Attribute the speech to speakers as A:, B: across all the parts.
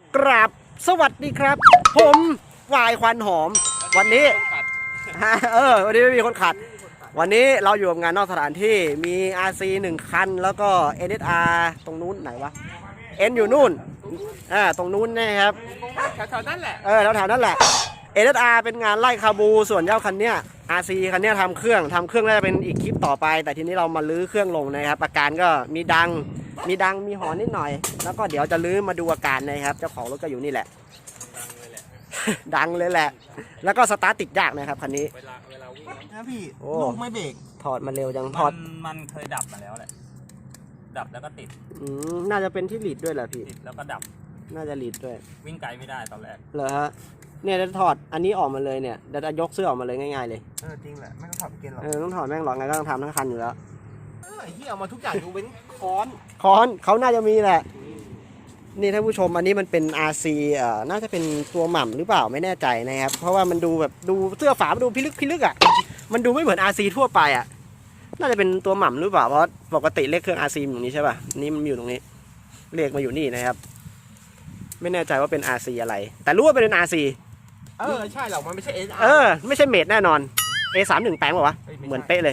A: กราบสวัสดีครับผมวายควันหอมวันนี้วันนี้ไม่มีคนขัดวันนี้เราอยู่กับงานนอกสถานที่มี RC 1 คันแล้วก็ NSR ตรงนู้นไหนวะ N อยู่นู่นตรงนู้นนะครับ
B: แถวๆนั่นแหละ
A: แถวๆนั่นแหละ NSR เป็นงานไล่คาบูส่วนเจ้าคันเนี้ย RC คันเนี้ยทำเครื่องน่าจะเป็นอีกคลิปต่อไปแต่ทีนี้เรามาลื้อเครื่องลงนะครับอาการก็มีดังมีหอนนิดหน่อยแล้วก็เดี๋ยวจะลื้อมาดูอาการนะครับเจ้าของรถก็อยู่นี่แหละดังเลยแหละแล้วก็สตาร์ทติดยากนะครับคันนี้
B: เวลาวิ่งนะพี่
A: ลู
B: กไม่เบรก
A: ถอดมาเร็วจังถอด
B: มันเคยดับมาแล้วแหละดับแล้วก็ติด
A: น่าจะเป็นที่ลีดด้วยแหละพี่
B: ติดแล้วก็ดับ
A: น่าจะลีดด้วย
B: วิ่งไกลไม่ได้ตอนแรก
A: เหรอฮะเนี่ยจะถอดอันนี้ออกมาเลยเนี่ยจะยกเสื้อออกมาเลยง่ายๆเลย
B: จริงแหละไม่ต้องถอดเกณฑ์หรอก
A: ต้องถอดแม่งหรอกไงก็ต้องทำทั้งคันอยู่แล้ว
B: ไอ้ที่เอามาทุกอย่างอยู่เว้นค้
A: อนเขาน่าจะมีแหละนี่ท่านผู้ชมอันนี้มันเป็น RC น่าจะเป็นตัวหม่ำหรือเปล่าไม่แน่ใจนะครับเพราะว่ามันดูแบบดูเสื้อฝามันดูพิลึกอ่ะมันดูไม่เหมือน RC ทั่วไปอ่ะน่าจะเป็นตัวหม่ำหรือเปล่าเพราะปกติเลขเครื่อง RC อยู่นี้ใช่ป่ะนี่มันอยู่ตรงนี้เลขมาอยู่นี่นะครับไม่แน่ใจว่าเป็น RC อะไรแต่รู้ว่าเป็น RC
B: ใช่หรอกมันไม่ใช่ SR
A: ไม่ใช่เมดแน่นอน A31 แปลงป่าววะเหมือนเป๊ะเลย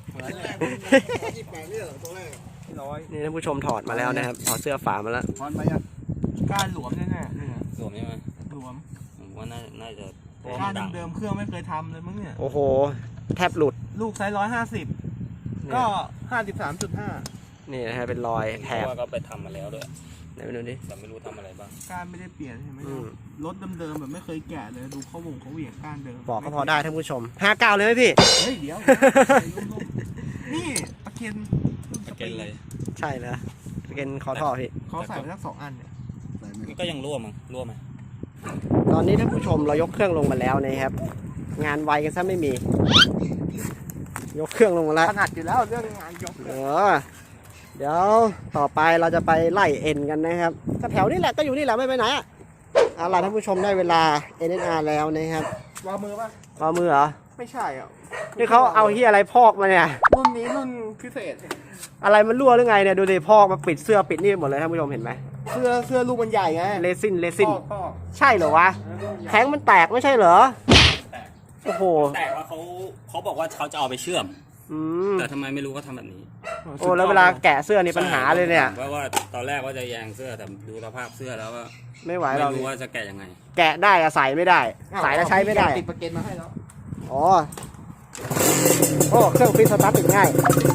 A: นี่ท่านผู้ชมถอดมาแล้วนะครับถอดเสื้อฝามาแล้ว
B: ถอดมายังการหลวมแน่ๆหลวมใช่ไหมหลวมผมว่าน่าจะการเดิมเครื่องไม่เคยทำเลยมั้งเนี่ย
A: โอ้โหแทบหลุด
B: ลูกไซส์150ก็53.5
A: นี่นะฮะเป็นรอยแถบ
B: ก็ไปทำมาแล้วด้วย
A: ไหนไปดูดิ
B: แต่ไม่รู้ทำอะไรบ้างการไม่ได้เปลี่ยนใช่ไหมรถเดิมๆแบบไม่เคยแกะเลยดูเขาเหวี่ยงก้านเดิม
A: บอกก็พอได้ท่านผู้ชม59เลยไหมพี่
B: เฮ้ยเดี๋ยวนี่ตะเกียนเลย
A: ใช่นะเป็นคอท่อพี่
B: เขาใส่ไปทั้ง2 อันเนี่ยก็ยังรั่วไหม
A: ตอนนี้ท่านผู้ชมเรายกเครื่องลงมาแล้วนะครับงานไวกันซะไม่มียกเครื่องลงมาแล้ว
B: ถนัดอยู่แล้วเรื่องงานยก
A: เดี๋ยวต่อไปเราจะไปไล่เอ็นกันนะครับก็แถวนี้แหละก็อยู่นี่แหละไม่ไปไหนอ่ะเอาล่ะท่านผู้ชมได้เวลา NSR แล้วนะครับ
B: วางมือป่ะ
A: วางมือเหรอ
B: ไม่ใช่อ่ะ
A: นี่เขาเอาเหี้ยอะไรพอกมาเนี่ย
B: รุ่นนี้รุ่นพิเศษ
A: อะไรมันรั่วหรือไงเนี่ยดูดิพอกมาปิดเสื้อปิดนี่หมดเลยท่านผู้ชมเห็นไหม
B: เสื้อลูกมันใหญ่ไง
A: เลซินใช่เหรอวะแข้งมันแตกไม่ใช่เหรอโอ้โห
B: แตกว่าเขาบอกว่าเขาจะเอาไปเชื่อมแต่ทำไมไม่รู้เขาทำแบบนี้
A: โอ้แล้วเวลาแกะเสื้อนี่ปัญหาเลยเนี่ย
B: ว่าตอนแรกว่าจะแยงเสื้อแต่ดูสภาพเสื้อแล้วว่า
A: ไม่ไหว
B: เราไม่รู้ว่าจะแกะยังไง
A: แกะได้อะใส่ไม่ได้ใส่แล้วใช้ไม่ได้
B: ติดประเก็นมาให้แล้ว
A: อ๋อโอ้เครื่องฟิตสตาร์ทติดง่าย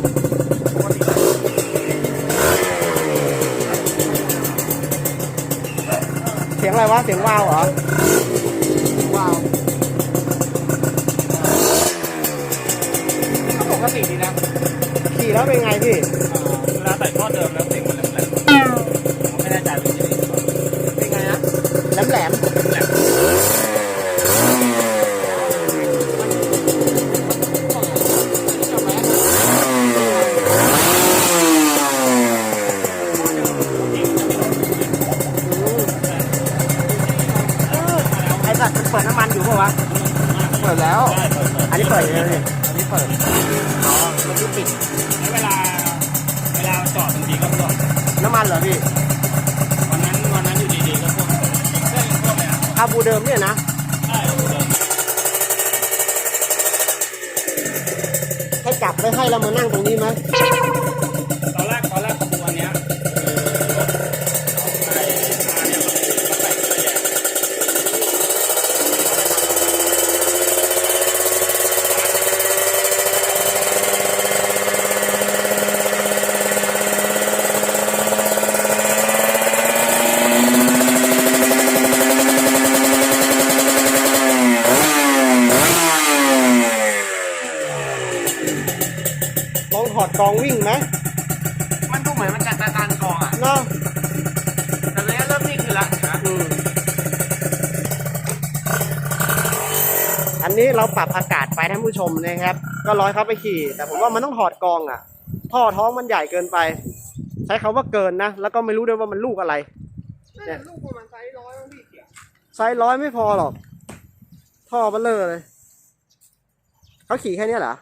A: เสียงอะไรวะเสียงวาวเหรอ
B: วาวก็ปกติดีนะ
A: ขี่แล้วเป็นไงพี่
B: เวลาใส่ท่อเดิมแล้วเสียงมันแหลมผมไม่แน่ใจเป็นไงนะ
A: แหลมเปิดน้ำมันอยู่ป่ะวะ
B: เปิดแล้ว
A: อันนี้เปิดเลย
B: อันนี้เปิด
A: มันที่ปิด
B: เวลาจอดบางทีก็จอด
A: น้ำมันเหรอพี่
B: วันนั้นอยู่ดีๆก็ท่วมเลย
A: คาบูเดิมเนี่ยนะ
B: ใช่เดิม
A: ให้จับไว้ให้เรามานั่งตรงนี้ไหม
B: ตอนแรกขบวนเนี้ย
A: ถอดกองวิ่งไหม
B: มันดูเหมือนมันจะตานกองอ่ะ
A: เนาะ
B: แต่ตอนนี้เริ่มนิ่งขึ้นละ
A: อันนี้เราปรับอากาศไปท่านผู้ชมนะครับก็ร้อยเขาไปขี่แต่ผมว่ามันต้องถอดกองอ่ะท่อท้องมันใหญ่เกินไปใช้คำว่าเกินนะแล้วก็ไม่รู้ด้วยว่ามันลูกอะไร
B: เนี่ยลูกประมาณไซส์100มั้งพี่เกี่ยว
A: ไซส์100ไม่พอหรอกท่อเบลเลอร์เลยเขาขี่แค่นี้เหรอ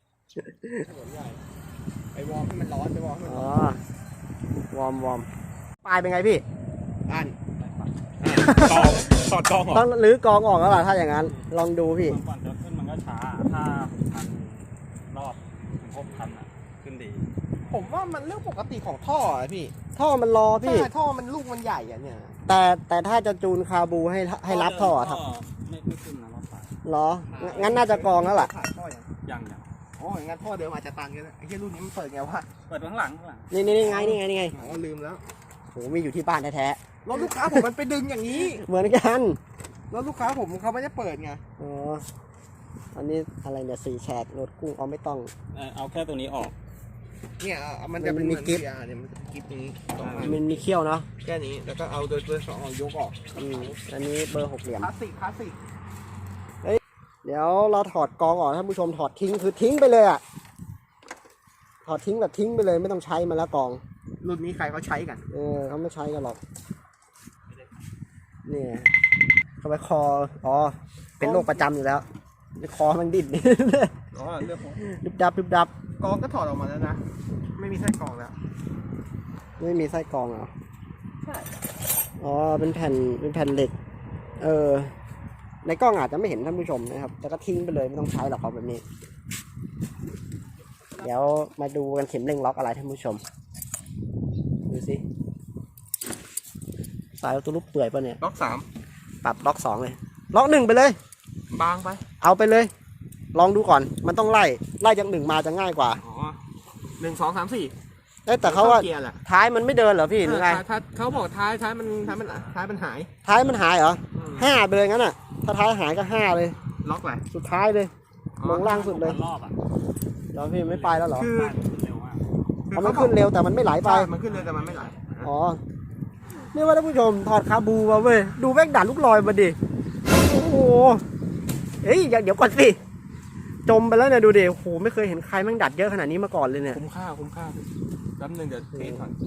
B: ไปวอร์มให้มันร้อนไปวอร์มให้มันร้อน
A: วอร์มปลายเป็นไงพี่
B: อันถอดกองออก
A: ต้องรื้อกองออกแล้วล่ะถ้าอย่างนั้นลองดูพี่
C: ก่อนจะขึ้นมันก็ช้าถ้า6,000 รอบถึง 6,000 อ่ะขึ้นดี
B: ผมว่ามันเรื่องปกติของท่ออะพี่
A: ท่อมันรอพี่
B: ใช่ท่อมันลูกมันใหญ่อะเนี่ย
A: แต่ถ้าจะจูนคาบูให้รับท่อครับ
C: ไม่ขึ้นนะรอบสาย
A: เหรองั้นน่าจะกองแล้วล่ะ
B: ขาดท่อยัง
C: ยัง
B: อ๋ออย่างงั้นท่อเดิมอาจจะตันกันนะไอ้ที่รุ่นนี้มันเปิดไงวะ
C: เปิดข้างหลัง
A: นี่ไงนี่ไง
B: อ๋อลืมแล้ว
A: โหมีอยู่ที่บ้านแท้
B: รถลูกค้าผมมันไปดึงอย่างนี้
A: ๆเหมือนกัน
B: รถลูกค้าผมเขาไม่ได้เปิดไง
A: อ๋ออันนี้อะไรเนี่ย4แฉกโหลดกุ้งเอาไม่ต้อง
C: เอาแค่ตัวนี้ออก
B: เนี่ยมันจะเป็น
A: มันมี
B: เหมือน
A: กิ๊บ
B: เนี่ยมันจะกิ๊บตรงนี้ตรงนั้น
A: มันมีเขี้ยวเนาะ
B: แค่นี้แล้วก็เอาโดยสองเอายกออก
A: อันนี้เบอร์6เหลี่ยม
B: คลาสสิก
A: เดี๋ยวเราถอดกองออกท่านผู้ชมถอดทิ้งคือทิ้งไปเลยอ่ะถอดทิ้งแบบทิ้งไปเลยไม่ต้องใช้มันแล้วกอง
B: รุ่นนี้ใครเขาใช้กัน
A: เขาไม่ใช้กันหรอกเนี่ยเข้าไปคออ๋อเป็นโรคประจำอยู่แล้วคอมันดิ้น
B: อ๋อเรื่องของ
A: ดึบดับ
B: กองก็ถอดออกมาแล้วนะ ไม่มีไส้กรองแล้ว
A: ไม่มีไส้กรองเหรอ
B: ใช่
A: อ๋อเป็นแผ่นเหล็กในกล้องอาจจะไม่เห็นท่านผู้ชมนะครับแต่ก็ทิ้งไปเลยไม่ต้องใช้หรอกครับแบบนี้ เดี๋ยวมาดูกันเข็มเร่งล็อกอะไรท่านผู้ชมดูสิสายตัวลูกเปื่อยป่ะเนี่ย
B: ล็อก3
A: ปรับล็อก2เลยล็อก1ไปเลย
B: บางไป
A: เอาไปเลย ลองดูก่อนมันต้องไล่จาก1มาจะง่ายกว่า
B: อ๋อ1 2 3 4
A: แต่เขาว่า
B: เกียร์แหละ
A: ท้ายมันไม่เดินเหรอพี่หรือไง
B: ถ้าเขาบอกท้ายมันหาย
A: ท้ายมันหายเหรอ5ไปเลยงั้นอ่ะถ้าท้ายหายก็5เลย
B: ล็อกไป
A: สุดท้ายเลยลงล่างสุดเลย
C: รอบอ่ะ
A: เดี๋ยวพี่ไม่ไปแล้วเหรอ
B: คือ
C: เร็วมาก
A: เพราะมันขึ้นเร็วแต่มันไม่ไหลไป
B: ใช่มันขึ้นเร็วแต่มันไม่ไหล
A: อ๋อนี่ว่าท่านผู้ชมถอดคาบูมาเว้ยดูแม่งดัดลูกลอยมาดิโอ้โหเฮ้ยเดี๋ยวก่อนสิจมไปแล้วเนี่ยดูดิโอ้โหไม่เคยเห็นใครแม่งดัดเยอะขนาดนี้มาก่อนเลยเนี่ย
B: คุ้มค่าแป๊บนึงเดี๋ยวเทสก่อน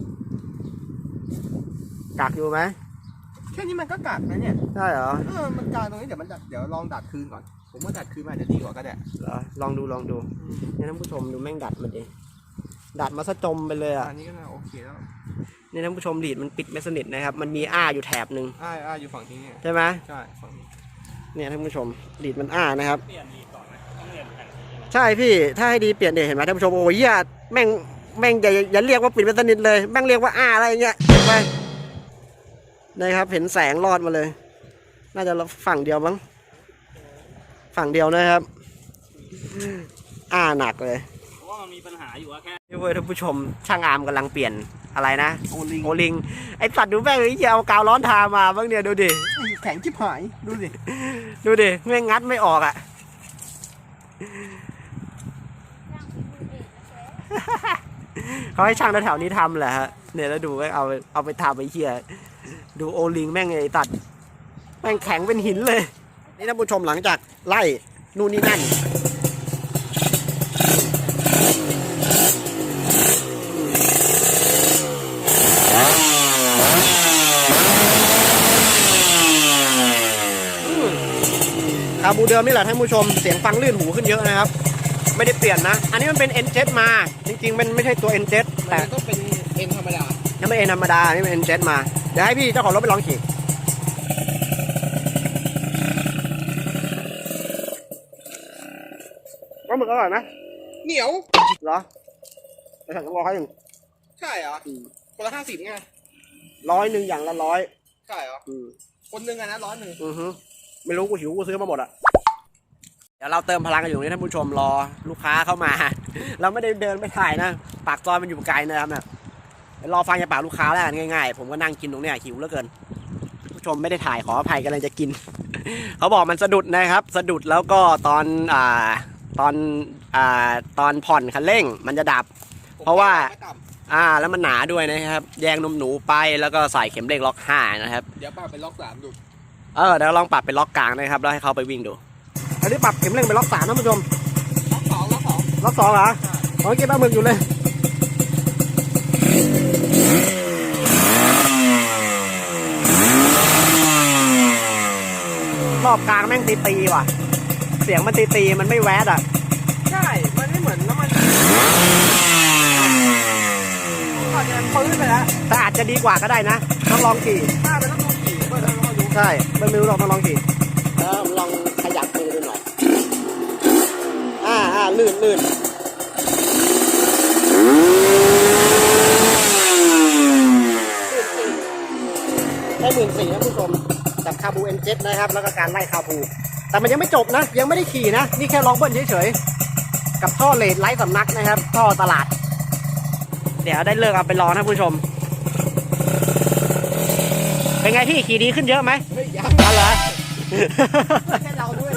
A: กักอยู่ไหม
B: แค่นี้มันก็กัดนะเนี่ย
A: ใช่เหรอ
B: มันกลางตรงนี้เดี๋ยวลองดัดคืนก่อน ผมว่าดัดคืนมันอาจจะดีกว่าก็ได้
A: เหรอลองดูเนี่ยท่านผู้ชมดูแม่งดัดมันดิดัดมาซะจมไปเลยอ่ะ
B: อันนี้ก็น่าโอเคแล้ว
A: นี่ท่านผู้ชมลีดมันปิดไม่สนิทนะครับมันมีอ้าอยู่แถบหนึ่ง
B: อยู่ฝั่งนี้เนี่ย
A: ใช่ไหม
B: ใช่ฝั่งนี้
A: เนี่ยท่านผู้ชมลีดมันอ้านะครับ
C: เปลี่ยนอีกก่อนนะต้องเปลี่ยนแผ่นสี
A: ใช่พี่ถ้าให้ดีเปลี่ยนเดี๋ยวเห็นไหมท่านผู้ชมโอ้ยแม่งอย่าเรียกว่าปิดเป็นสนิทเลยแม่งเรียกว่าอะไรเงี้ยเห็นไหมนะครับเห็นแสงรอดมาเลย น่าจะฝั่งเดียวมั้งฝั่งเดียวนะครับหนักเลย
C: เพราะว่ามันมีปัญหาอยู่ว่าแค่
A: นี่เว้ยท่านผู้ชมช่างอาร์มกำลังเปลี่ยนอะไรนะ
B: โอลิง
A: โอลิงไอสัตว์ดูแม่งไอ้เหี้ยเอากาวร้อนทามาบ้างเนี่ยดูดิ
B: แข็งชิบหายดูสิ
A: ดูดิแม่งงัดไม่ออกอ่ะ เขาให้ช่างแถวๆนี้ทำแหละฮะเนี่ยแล้วดูก็เอาไปทำไปเหี้ยดูโอลิงแม่งไอ้ตัดแม่งแข็งเป็นหินเลย นี่ท่านผู้ชมหลังจากไล่นู่นนี่นั่นคาบูเดิมนี่แหละท่านผู้ชมเสียงฟังลื่นหูขึ้นเยอะนะครับ ไม่ได้เปลี่ยนนะ อันนี้มันเป็น N7 มา จริงๆมันไม่ใช่ตัว N7 แต่
B: แต่ก็เป็นเอ็นธรรมดา
A: นี่ไม่ N ธรรมดานี่เป็น N7 มา เดี๋ยวให้พี่เจ้าของรถไปลองขี่ว่าหมึกอร่อยไหม
B: เหนียว
A: เหรอไปสั่งต้องรอเขาอย่าง
B: ใช่เหรอคนละ50ไง
A: 100อย่างละ100
B: ใช่เหรอคนหนึ่งอะนะ100
A: อือฮึไม่รู้กูหิวกูซื้อมาหมดอะเดี๋ยวเราเติมพลังกันอยู่นี่ท่านผู้ชมรอลูกค้าเข้ามา เราไม่ได้เดินไปถ่ายนะปากซอยมันอยู่ไกลนะครับเนี่ยเดี๋ยวรอฟังจากปากลูกค้าแล้วกันง่ายๆผมก็นั่งกินตรงเนี้ยหิวเหลือเกินผู้ชมไม่ได้ถ่ายขออภัยกันเลยจะกิน เขาบอกมันสะดุดนะครับสะดุดแล้วก็ตอนผ่อนคันเร่งมันจะดับ เพราะว่า แล้วมันหนาด้วยนะครับแยงนมหนูไปแล้วก็ใส่เข็มเร่งล็อก5นะครับ
B: เดี๋ยวป้าไปล็อก3ดู
A: เดี๋ยวลองปรับเป็นล็อกกลางนะครับแล้วให้เขาไปวิ่งดูอันนี้ปรับเข็มเร่งเป็นล็อก3นะผู้ชมล็อก2เหรอเก็บปลาหมึกอยู่เลยรอบกลางแม่งตีว่ะเสียงมันตีมันไม่แวดอ่ะ
B: ใช่มันไม่เหมือนน้ำมันก่อนจะปื้นไปแล้ว
A: แต่อาจจะดีกว่าก็ได้นะต้องลองขี่
B: ป้าไปต้องดูขี่เพื่อจะดู
A: ใช่ไม่รู้หรอกต้องลองขี่แล้วลองขยับมือดูหน่อยลื่นได้14,000นะผู้ชมกับคาบูN7นะครับแล้วก็การไล่คาบูแต่มันยังไม่จบนะยังไม่ได้ขี่นะนี่แค่ลองเบิ้ลเฉยๆกับท่อเลดไร้สำนักนะครับท่อตลาดเดี๋ยวได้เลิกเอาไปรอนะผู้ชมเป็นไงพี่ขี่ดีขึ้นเยอะไหมยังเหรอแค่เราด้วย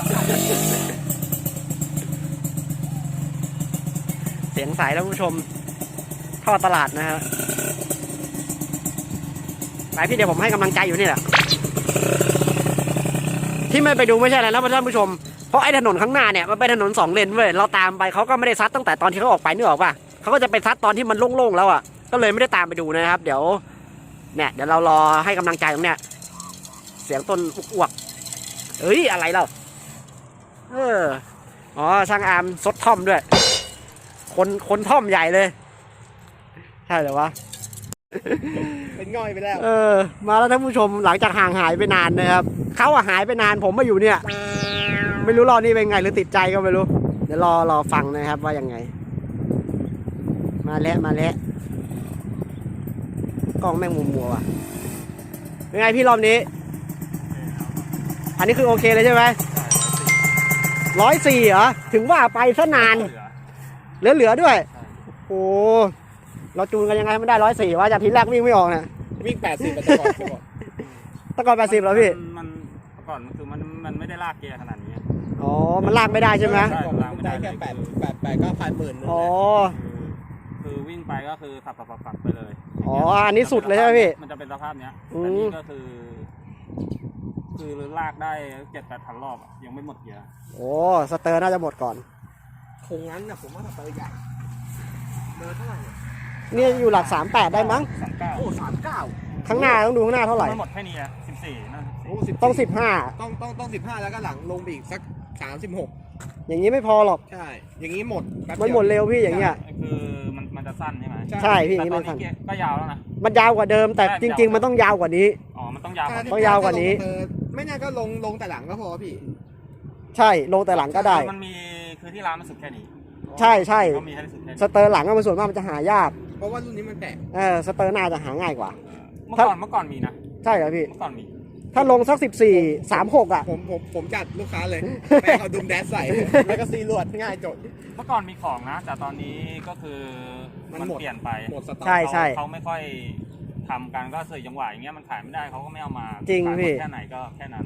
A: เสียงใสแล้วผู้ชมท่อตลาดนะฮะไปพี่เดี๋ยวผมให้กำลังใจอยู่นี่แหละที่ไม่ไปดูไม่ใช่อะไรนะท่านผู้ชมเพราะไอ้ถนนข้างหน้าเนี่ยมันเป็นถนน2 เลนเว้ยเราตามไปเขาก็ไม่ได้ซัดตั้งแต่ตอนที่เขาออกไปนึกออกป่ะเขาก็จะไปซัดตอนที่มันโล่งๆแล้วอ่ะก็เลยไม่ได้ตามไปดูนะครับเดี๋ยวเรารอให้กำลังใจตรงเนี้ยเสียงต้นอ้วกเอ้ยอะไรเราอ๋อช่างอาร์มซดท่อมด้วยคนท่อมใหญ่เลยใช่เหรอวะ
B: เป็นง่อยไปแล้ว
A: มาแล้วท่านผู้ชมหลังจากห่างหายไปนานนะครับเขาหายไปนานผมมาอยู่เนี่ยไม่รู้รอบนี้เป็นไงหรือติดใจก็ไม่รู้เดี๋ยวรอฟังนะครับว่ายังไงมาแล้วกล้องแม่งมัวว่ะเป็นไงพี่รอบนี้อันนี้คือโอเคเลยใช่ไหม104เหรอถึงว่าไปซะนานเหลือด้วยโอ้เราจูนกันยังไงให้มันได้104ว่าจากทีแรกวิ่งไม่ออกนะ
B: วิ่ง80แต่ก่อน
A: 80แล้วพี่
C: มันก่อนคือมันไม่ได้ลากเกียร์ขนาดนี้
A: อ๋อมันลากไม่ได้ใช่ไหม
C: ลากไม่ได้
B: แค่8ก็10,000
A: อ๋อ
C: คือวิ่งไปก็คือขับไปเลย
A: อ๋ออันนี้สุดเลยใช่ไหมพี่
C: มันจะเป็นสภาพเนี้ยแต่นี่ก็คือลากได้ 7-8,000 รอบยังไม่หมดเกียร์
A: โอ้สเตอร์น่าจะหมดก่อน
B: คงงั้นนะผมว่าสเตอร์ใหญ่เดินเท่าไหร่
A: นี่อยู่หลัก38ได้มั้ง
C: 39
B: โอ้39
A: ข้างหน้าต้องดูข้างหน้าเท่าไหร่
C: หมดแค่นี้14นั่น
A: ต้อง
B: 15ต้อง15แล้วก็หลังลงไปอีกสัก36
A: อย่างนี้ไม่พอหรอก
B: ใช่อย่างนี้หมด
A: มันหมดเร็วพี่อย่างเงี้ย
C: คือมันจะสั้นใช่ไหม
A: ใช่พี่อย่างนี้
C: มันสั้นก็ยาวแล้วนะ
A: มันยาวกว่าเดิมแต่จริงๆมันต้องยาวกว่านี้
C: อ๋อมันต้องยาวก
A: ว่านี้
B: ไม่น่าก็ลงแต่หลังก็พอพี่
A: ใช่ลงแต่หลังก็ได้
C: มันมีคือที่ร้านมันสุดแค่นี้
A: ใช่
C: เขามีให้สุดแค่นี้
A: สเตอร์หลังก็มันส่วนมากมันจะหายาก
B: เพราะว่ารุ่นนี้มันแปลก
A: สเตอร์หน้าจะหาง่ายกว่า
C: เมื่อก่อนมีนะ
A: ใช่เหรอพี่
C: เมื่อก่อนมี
A: ถ้าลงสัก14-36อ่ะ
B: ผมจัดลูกค้าเลยแม่เอาดุมแดสใส่แล้วก็ซีลวดง่ายจด
C: เมื่อก่อนมีของนะแต่ตอนนี้ก็คือมันเปลี่ยนไป
B: หมดสต็อก
A: ใช่
C: เขาไม่ค่อยทำกันก็เสื่อจังหวะอย่างเงี้ยมันขายไม่ได้เขาก็ไม่เอามา
A: จริงพี่
C: แค่ไหนก็แค่นั้น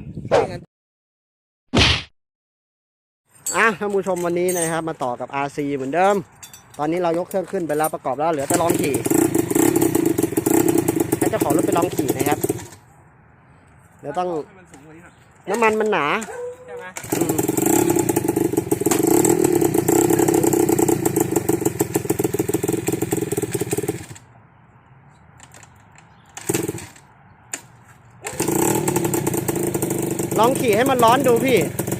A: ท่านผู้ชมวันนี้นะครับมาต่อกับ RC เหมือนเดิมตอนนี้เรายกเครื่องขึ้นไปแล้วประกอบแล้วเหลือแต่ลองขี่ให้เจ้าของรถไปลองขี่นะครับเดี๋ยวต้องน้ำมันหนา
B: ใช่ไหม
A: ลองขี่ให้มันร้อนดูพี่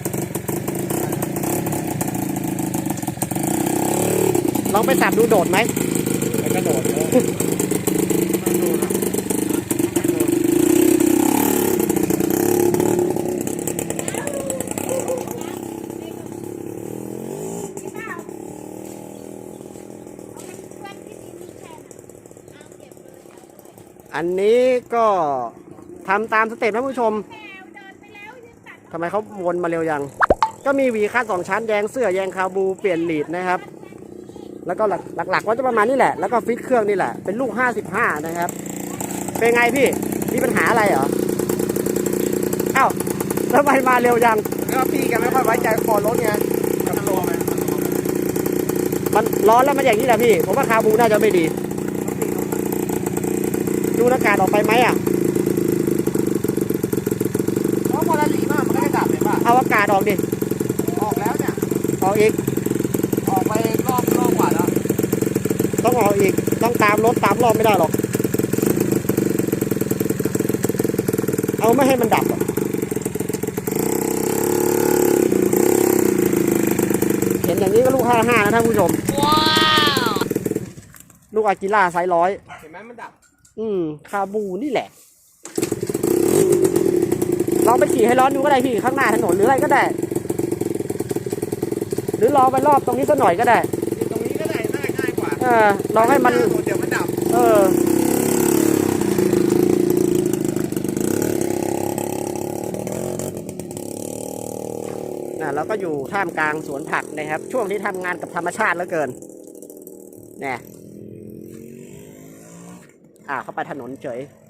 A: ลองไปสับดูโดดไหม
B: มันก็โดดเลย
A: อันนี้ก็ทำตามสเต็ปท่านผู้ชมทำไมเขาวนมาเร็วยังก็มีหวีคาด2 ชั้นแยงเสื้อแยงคาบูเปลี่ยนลีดนะครับแล้วก็หลักๆว่าจะประมาณนี้แหละแล้วก็ฟิตเครื่องนี่แหละเป็นลูก55นะครับเป็นไงพี่มีปัญหาอะไรเหรออ้าวทำไมมาเร็วยัง
B: ก็พี่แกไม่ค่อยไว้ใจคอรถไงกับตัว
A: มันร้อนแล้วมันอย่างนี้แหละพี่ผมว่าคาบูน่าจะไม่ดีดูอากาศออกไปไหมอ่ะ
B: เพราะพอละหลีมากมันก็ไม่ดับเลยป่ะ
A: เอาอากาศออกดิ
B: ออกแล้วเนี่ย
A: ออกอีก
B: ออกไปรอบกว่าแล้ว
A: ต้องออกอีกต้องตามรถตามรอบไม่ได้หรอกเอาไม่ให้มันดับเห็นอย่างนี้ก็ลูก55นะท่านผู้ชมว้าวลูกอากิล่าไซส์100
B: เห็นไหมมันดับ
A: คาบูนี่แหละขี่ให้ร้อนดูก็ได้พี่ข้างหน้าถนนหรืออะไรก็ได้ หรือลองไปรอบตรงนี้สักหน่อยก็ได้
B: ตรงนี้ก็ได้ง่ายกว่า
A: ลองให้มัน
B: เดี๋ยวมันดับ
A: เราก็อยู่ท่ามกลางสวนผักนะครับ ช่วงที่ทำงานกับธรรมชาติเหลือเกินเนี่ยเข้าไปถนนเฉย